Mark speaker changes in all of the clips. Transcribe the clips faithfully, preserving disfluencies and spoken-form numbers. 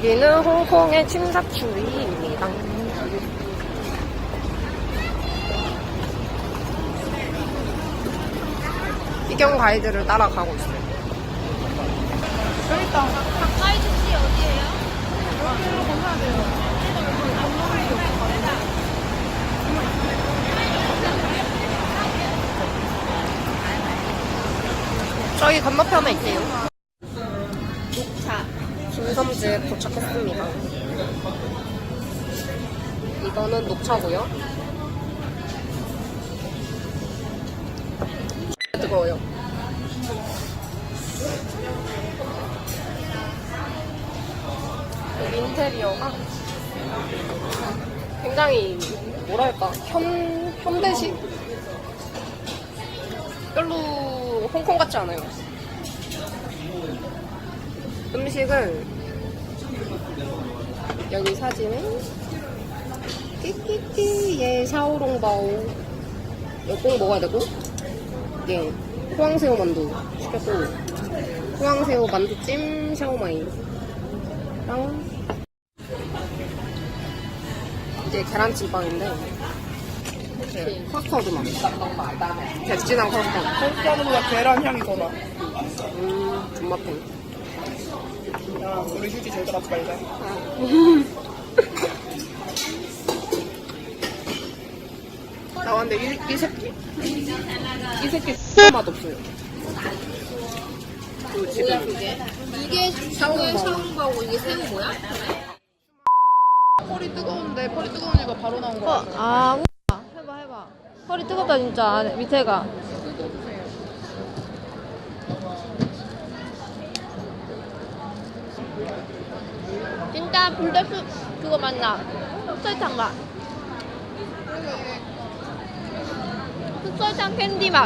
Speaker 1: 여기는 홍콩의 침사추리입니다. 비경 가이드를 따라가고 있어요.
Speaker 2: 여기 있다.
Speaker 3: 가까이 주시 어디예요?
Speaker 2: 여기로 건너야 돼요.
Speaker 1: 저희 건너편에 있대요.
Speaker 3: 녹차.
Speaker 1: 김섬지에 도착했습니다. 이거는 녹차고요. 뜨거워요. 여기 인테리어가 굉장히 뭐랄까 현 현대식? 별로 홍콩 같지 않아요. 음식을 여기 사진은 띠띠띠 예 샤오롱바오 이거 꼭 먹어야 되고 예 호황새우 만두 시켰고 호황새우 만두찜 샤오마이랑 이제 계란찜빵인데 네, 커스터드 맛 백진한 커스터드
Speaker 2: 커스터드보다 계란 향이 더 나.
Speaker 1: 음 존맛탱.
Speaker 2: 야, 우리 휴지 절대 갖지 말자.
Speaker 1: 아 근데 이, 이 새끼 이 새끼 진짜 맛없어요. 그 지금
Speaker 3: 그게? 이게 샤오롱바오. 샤오롱바오 이게 새우 뭐야?
Speaker 2: 펄이 뜨거운데 펄이 뜨거우니까 바로 나온 거 같아.
Speaker 3: 아, 우와. 해봐 해봐. 허리 뜨겁다 진짜. 안에, 밑에가. 진짜 불닭수 그거 맞나? 흑설탕가. 흑설탕 캔디 맛.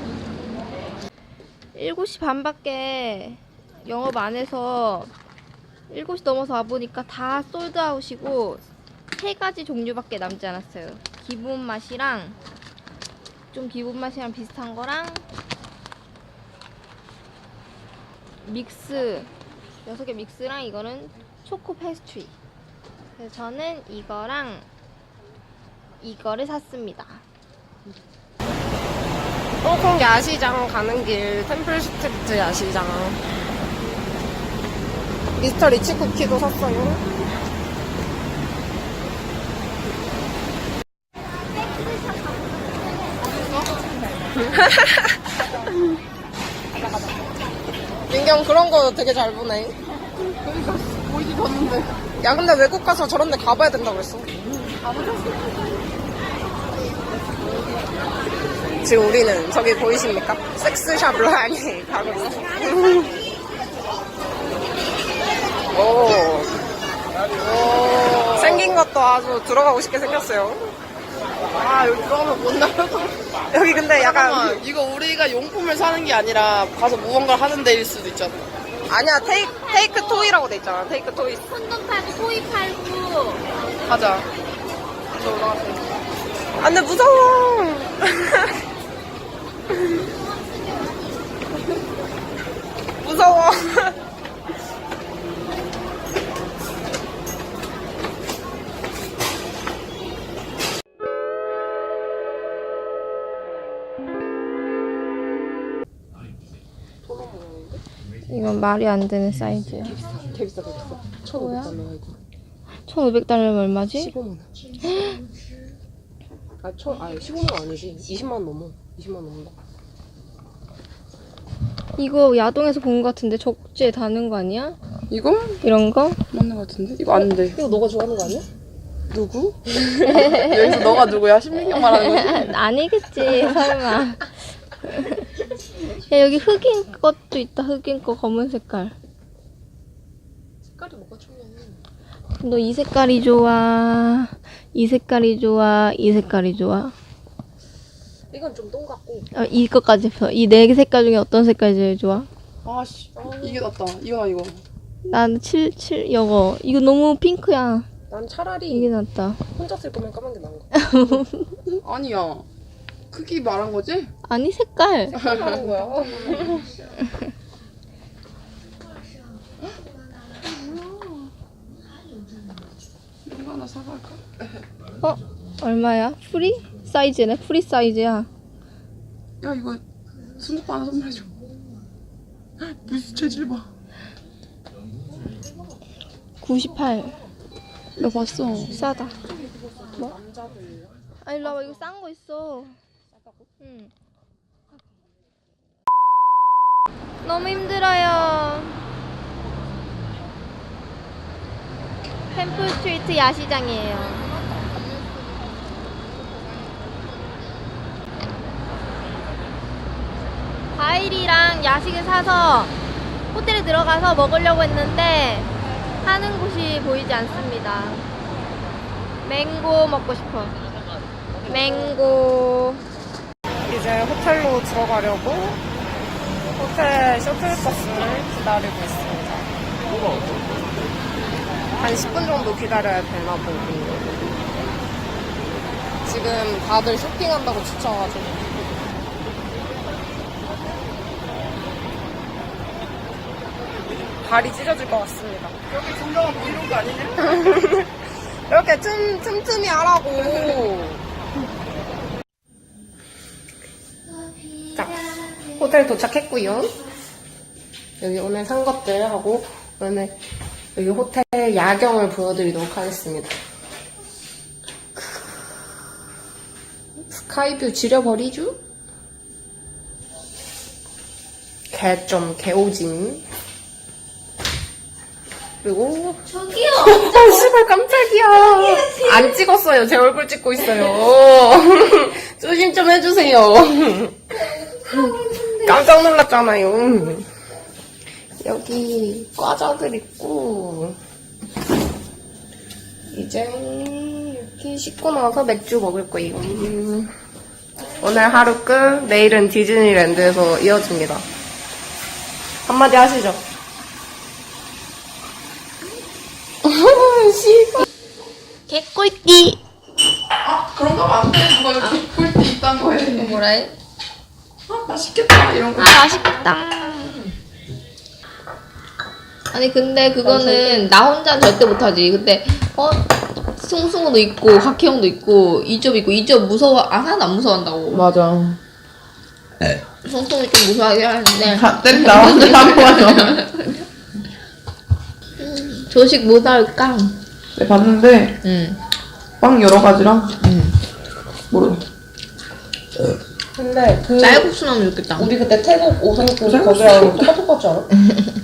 Speaker 3: 일곱 시 반밖에 영업 안 해서 일곱 시 넘어서 와보니까 다 솔드아웃이고 세 가지 종류밖에 남지 않았어요. 기본 맛이랑 좀 기본 맛이랑 비슷한 거랑 믹스 여섯 개 믹스랑 이거는 초코 페스트리. 그래서 저는 이거랑 이거를 샀습니다.
Speaker 1: 홍콩 야시장 가는 길 템플 스트리트 야시장 미스터 리치 쿠키도 샀어요. 민경 그런 거 되게 잘 보네.
Speaker 2: 그러니까 보이지도 않는데.
Speaker 1: 야 근데 외국 가서 저런 데 가봐야 된다고 그랬어. 지금 우리는 저기 보이십니까? 섹스샵 라인에 가고 있어. 오. 오. 생긴 것도 아주 들어가고 싶게 생겼어요.
Speaker 2: 아, 여기 들어가면 못 나가서.
Speaker 1: 여기 근데 약간
Speaker 2: 잠깐만, 이거 우리가 용품을 사는 게 아니라 가서 무언가를 하는 데일 수도 있잖아.
Speaker 1: 아니야 테이크, 테이크 토이라고 돼 있잖아. 테이크 토이.
Speaker 3: 콘돔 팔고 토이 팔고
Speaker 2: 가자. 이제 올라가자.
Speaker 1: 아 근데 무서워. 무서워.
Speaker 3: 이건 말이 안 되는 사이즈야.
Speaker 1: 개 비싸 개 비싸. 천오백 달러야 이거.
Speaker 3: 천오백 달러면 얼마지?
Speaker 1: 십오만 원. 아, 천, 아, 십오만 원 아니지. 이십만 원 넘어. 이십만 원 넘는다.
Speaker 3: 이거 야동에서 본 거 같은데 적재에 다는 거 아니야?
Speaker 2: 이거?
Speaker 3: 이런 거?
Speaker 2: 맞는 거 같은데? 이거 안 돼.
Speaker 1: 이거 너가 좋아하는 거 아니야?
Speaker 2: 누구? 여기서 너가 누구야? 신민경 말하는 거지?
Speaker 3: 아니겠지 설마. 야 여기 흑인 것도 있다. 흑인 거 검은 색깔.
Speaker 1: 색깔이 뭐가 중요해?
Speaker 3: 너 이 색깔이 좋아, 이 색깔이 좋아, 이 색깔이 좋아.
Speaker 1: 이건 좀 똥 같고.
Speaker 3: 어, 이거까지 펴. 이 네 개 색깔 중에 어떤 색깔이 제일 좋아?
Speaker 2: 아씨, 이게 낫다. 이거나 이거.
Speaker 3: 난 칠, 칠, 이거. 이거 너무 핑크야.
Speaker 1: 난 차라리
Speaker 3: 이게 낫다.
Speaker 1: 혼자 쓸 거면 까만 게 나은 거.
Speaker 2: 아니야. 크기 말한 거지?
Speaker 3: 아니, 색깔.
Speaker 1: 하는 거야.
Speaker 2: 하나 사갈까?
Speaker 3: 어? 얼마야? 프리? 사이즈네? 프리 사이즈야.
Speaker 2: 야 이거 스모크 하나 선물해줘. 무슨 재질 봐.
Speaker 3: 구십팔.
Speaker 2: 야 봤어.
Speaker 3: 싸다. 뭐? 아 일로 와봐. 이거 싼 거 있어. 응. 너무 힘들어요. 템플 스트리트 야시장이에요. 과일이랑 야식을 사서 호텔에 들어가서 먹으려고 했는데 하는 곳이 보이지 않습니다. 맹고 먹고 싶어. 맹고.
Speaker 1: 이제 호텔로 들어가려고 호텔 셔틀버스를 기다리고 있습니다. 한 십 분 정도 기다려야 되나 보고. 지금 다들 쇼핑한다고 지쳐가지고. 발이 찢어질 것 같습니다.
Speaker 2: 여기 정정아 뭐 이런 거 아니냐?
Speaker 1: 이렇게 틈, 틈틈이 하라고. 자, 호텔 도착했고요. 여기 오늘 산 것들 하고 오늘 여기 호텔 야경을 보여드리도록 하겠습니다. 스카이뷰 지려버리죠? 개점 개오징. 그리고
Speaker 3: 저기요.
Speaker 1: 아 씨발 깜짝이야. 안 찍었어요. 제 얼굴 찍고 있어요. 조심 좀 해주세요. 깜짝 놀랐잖아요. 여기 과자들 있고 이제 이렇게 씻고 나서 맥주 먹을 거예요. 오늘 하루 끝. 내일은 디즈니랜드에서 이어집니다. 한마디 하시죠. 씨발.
Speaker 3: 개꿀띠.
Speaker 2: 아 그런 거 안 돼. 누가 여기 꿀띠 있단 거에.
Speaker 3: 뭐라 해?
Speaker 2: 아 맛있겠다 이런 거.
Speaker 3: 아 맛있겠다. 아니 근데 그거는 나 혼자 절대 못하지. 근데 어 승승우도 있고 박혜영도 있고 이점 있고 이점 무서워. 아 하나도 안 무서워한다고.
Speaker 2: 맞아.
Speaker 3: 승승이 좀 무서워하긴 하는데.
Speaker 2: 다 때린다. 안 맞아.
Speaker 3: 조식 뭐 나올까?
Speaker 2: 네 봤는데
Speaker 3: 응.
Speaker 2: 빵 여러 가지랑
Speaker 3: 응.
Speaker 2: 모르.
Speaker 1: 근데 그
Speaker 3: 쌀국수 나오면 좋겠다.
Speaker 1: 우리 그때 태국 오성급
Speaker 2: 쌀국수
Speaker 1: 거기랑 똑같은 거 같지 않아?